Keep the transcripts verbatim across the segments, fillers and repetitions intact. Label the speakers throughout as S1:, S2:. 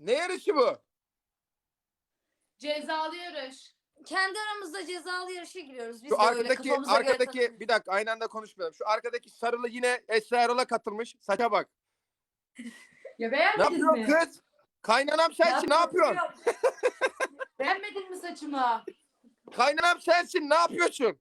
S1: Ne yarışı bu?
S2: Cezalı yarış.
S3: Kendi aramızda cezalı yarışa giriyoruz. Biz
S1: Şu
S3: de öyle
S1: arkadaki
S3: kafamıza göre
S1: arkadaki
S3: takılıyoruz.
S1: bir dakika aynı anda konuşmayalım. Şu arkadaki sarılı yine Esra Erol'a katılmış. Saça bak.
S2: Ya
S1: Ne
S2: beğenmedin
S1: yapıyorsun
S2: mi?
S1: kız? Kaynanam sensin ne yapıyorsun?
S2: Beğenmedin mi saçımı?
S1: Kaynanam sensin ne yapıyorsun?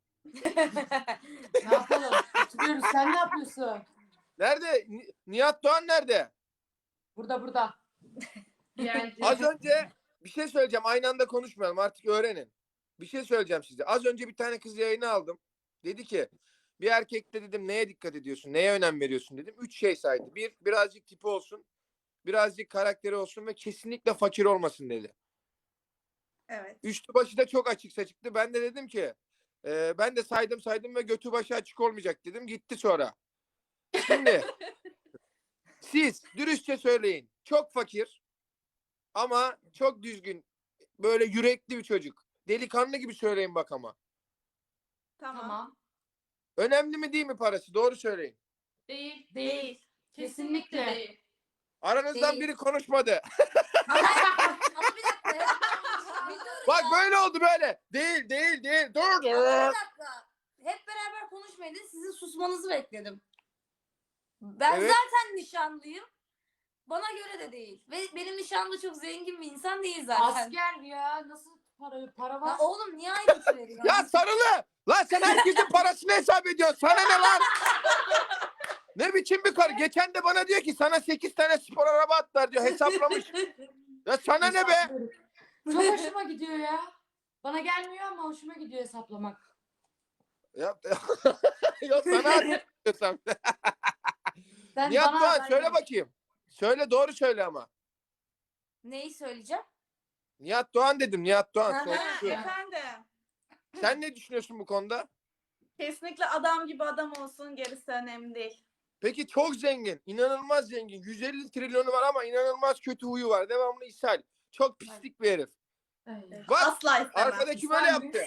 S2: Ne yapalım? Oturuyoruz. Sen ne yapıyorsun?
S1: Nerede? Ni- Nihat Doğan nerede?
S2: Burada burada. Yani.
S1: Az önce bir şey söyleyeceğim. Aynı anda konuşmayalım. Artık öğrenin. Bir şey söyleyeceğim size. Az önce bir tane kız yayını aldım. Dedi ki bir erkekte dedim neye dikkat ediyorsun? Neye önem veriyorsun dedim. Üç şey saydı. Bir, birazcık tipi olsun. Birazcık karakteri olsun ve kesinlikle fakir olmasın dedi.
S4: Evet.
S1: Üstü başı da çok açık saçıktı. Ben de dedim ki e, ben de saydım saydım ve götü başı açık olmayacak dedim. Gitti sonra. Şimdi siz dürüstçe söyleyin. Çok fakir ama çok düzgün. Böyle yürekli bir çocuk. Delikanlı gibi söyleyin bak ama.
S4: Tamam.
S2: Tamam.
S1: Önemli mi değil mi parası? Doğru söyleyin.
S2: Değil.
S4: Değil.
S2: Kesinlikle değil.
S1: Aranızdan
S3: Değil.
S1: biri konuşmadı.
S3: Ama bir dakika. ya. Bir dur
S1: Bak
S3: ya.
S1: böyle oldu böyle. Değil değil değil. Dur
S3: Ama bir
S1: dur.
S3: dakika. Hep beraber konuşmayın. Sizin susmanızı bekledim. Ben
S1: Evet.
S3: zaten nişanlıyım. Bana göre de değil. Ve benim nişanlı çok zengin bir insan değil zaten.
S2: Asker ya. Nasıl para, para
S3: Ya
S2: var?
S3: oğlum niye ayrıntı veriyorsun?
S1: Ya sarılı. Lan sen herkesin parasını hesap ediyorsun. Sana ne lan? Ne biçim bir karı? Geçen de bana diyor ki sana sekiz tane spor araba atlar diyor. Hesaplamış. Ya sana ne be?
S2: Çok hoşuma gidiyor ya. Bana gelmiyor ama hoşuma gidiyor hesaplamak.
S1: Ya, yok sana atıyorsam.
S2: Sen
S1: Nihat
S2: bana
S1: Doğan
S2: haber
S1: söyle
S2: ver.
S1: bakayım. Söyle doğru söyle ama.
S3: Neyi söyleyeceğim?
S1: Nihat Doğan dedim. Nihat Doğan.
S3: Ha,
S1: Söyle.
S4: Ha, efendim.
S1: Sen ne düşünüyorsun bu konuda?
S4: Kesinlikle adam gibi adam olsun, gerisi önemli değil.
S1: Peki çok zengin. İnanılmaz zengin. yüz elli trilyonu var ama inanılmaz kötü huyu var. Devamlı ishal. Çok pislik bir herif.
S2: Ay.
S1: Bak
S4: Asla istemem.
S1: arkadaki böyle
S2: İshal mi?
S1: yaptı.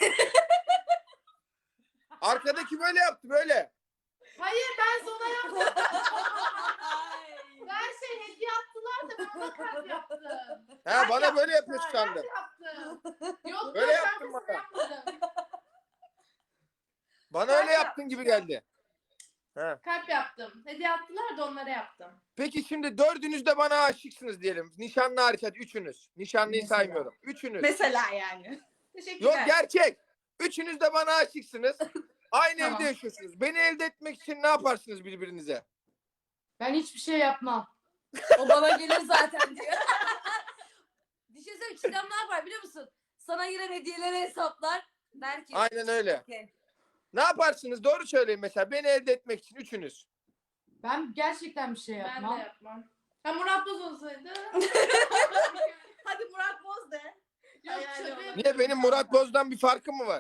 S1: Arkadaki böyle yaptı böyle.
S2: Hayır ben sana yaptım. Ben şey hediye attılar da ben ona kalp yaptım.
S1: Ha bana böyle yapıyorsun
S2: Ben
S1: sandım.
S2: yaptım. Yok
S1: Böyle
S2: ben
S1: yaptın
S2: şarkısını
S1: bana.
S2: yapmadım.
S1: Bana öyle yaptın gibi geldi. Ha.
S2: Kalp yaptım. Hediye attılar da onlara yaptım.
S1: Peki şimdi dördünüz de bana aşıksınız diyelim. Nişanlı hariç hadi üçünüz. Nişanlıyı
S2: Mesela.
S1: saymıyorum. Üçünüz.
S4: Mesela yani. Teşekkürler.
S1: Yok gerçek. Üçünüz de bana aşıksınız. Aynı
S2: Tamam.
S1: evde yaşıyorsunuz. Beni elde etmek için ne yaparsınız birbirinize?
S2: Ben hiçbir şey yapmam.
S3: O bana gelir zaten diyor. Düşünsene Çiğdem ne yapar biliyor musun? Sana giren hediyeleri hesaplar. Der ki.
S1: Aynen öyle.
S3: "Okey."
S1: Ne yaparsınız? Doğru söyleyin mesela. Beni elde etmek için üçünüz.
S2: Ben gerçekten bir şey yapmam.
S5: Ben de yapmam. Ha Murat Boz olsaydı.
S4: Hadi Murat Boz de.
S5: Yok
S4: Hayal
S5: şaka
S4: oldu.
S5: yapıyorum.
S1: Niye benim Murat Boz'dan bir farkım mı var?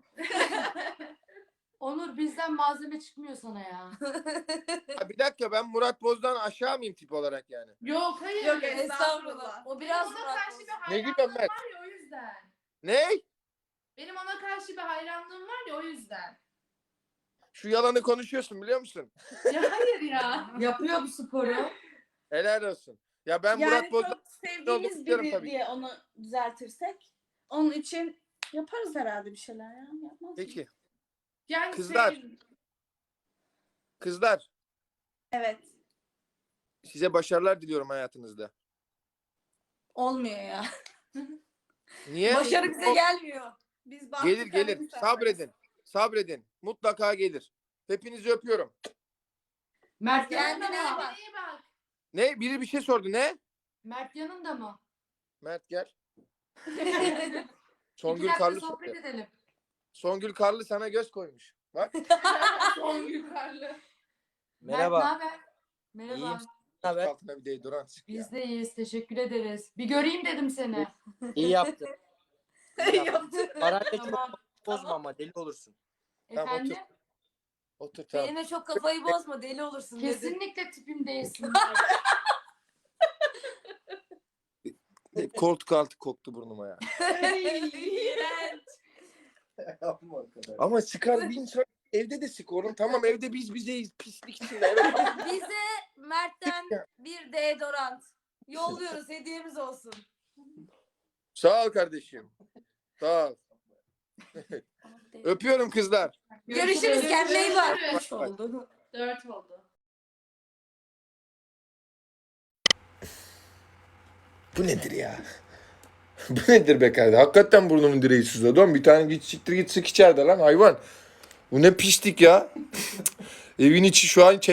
S2: Onur bizden malzeme çıkmıyor sana ya.
S1: Ha, bir dakika ben Murat Boz'dan aşağı mıyım tip olarak yani?
S5: Yok hayır.
S4: Yok,
S5: Benim
S3: Estağfurullah. O biraz
S5: ona
S3: Murat
S5: karşı
S3: Boz.
S5: bir
S1: Ne
S5: hayranlığım
S1: gülüyorsun Mert?
S5: var ya o yüzden.
S1: Ne?
S5: Benim ona karşı bir hayranlığım var ya o yüzden.
S1: Şu yalanı konuşuyorsun biliyor musun?
S5: Ya hayır ya.
S2: Yapıyor bu sporu.
S1: Helal olsun. Ya ben
S4: yani
S1: Murat Boz'dan
S4: çok sevdiğimiz
S1: istiyorum
S4: biri
S1: tabii.
S4: diye onu düzeltirsek onun için yaparız herhalde bir şeyler ya. Yapmaz mıyız?
S1: Peki.
S5: Yani
S1: Kızlar.
S5: şey,
S1: Kızlar
S4: Evet.
S1: size başarılar diliyorum hayatınızda.
S3: Olmuyor ya.
S1: Niye?
S3: Başarı bize gelmiyor.
S4: Biz baktık
S1: Gelir gelir.
S4: kalbimiz
S1: Sabredin. Sabredin. Mutlaka gelir. Hepinizi öpüyorum.
S2: Mert
S3: Kendine
S2: yanında
S3: iyi
S2: mı?
S3: bak.
S5: iyi bak.
S1: Ne? Biri bir şey sordu. Ne?
S2: Mert yanında mı?
S1: Mert gel.
S2: İki
S1: Songül
S2: dakika
S1: Karlı
S2: sohbet
S1: sordu.
S2: edelim.
S1: Songül Karlı sana göz koymuş. Bak.
S5: Son yukarılı.
S6: Merhaba.
S2: Mert ne haber? Merhaba.
S6: İyiyim. Ne haber?
S1: Altına bir deodorant sık ya.
S2: Biz de iyiyiz. Teşekkür ederiz. Bir göreyim dedim seni.
S6: İyi yaptın. İyi yaptın.
S4: Yaptık.
S6: Parayla çok
S2: Tamam.
S6: bozma ama deli olursun.
S1: Tamam,
S2: Efendim?
S1: Otur tamam.
S3: Benimle çok kafayı bozma deli olursun dedi.
S2: Kesinlikle tipim değilsin.
S1: Koltuk altı koktu burnuma ya.
S4: İğrenç.
S1: Ama sıkar bir insan evde de sık oğlum. Tamam evde biz bizeyiz pislik içinde. Evet.
S3: Bize Mert'ten bir deodorant. Yolluyoruz. Hediyemiz olsun.
S1: Sağ ol kardeşim. Sağ ol. Öpüyorum kızlar.
S3: Görüşürüz. Kendine iyi bak.
S5: Görüşürüz.
S4: Üç oldu.
S5: Dört oldu.
S1: Bu nedir ya? Bu nedir be kardeşim? Hakikaten burnumun direği sızladı. Oğlum bir tane git siktir git sık içeride lan hayvan. Bu ne pislik ya. Evin içi şu an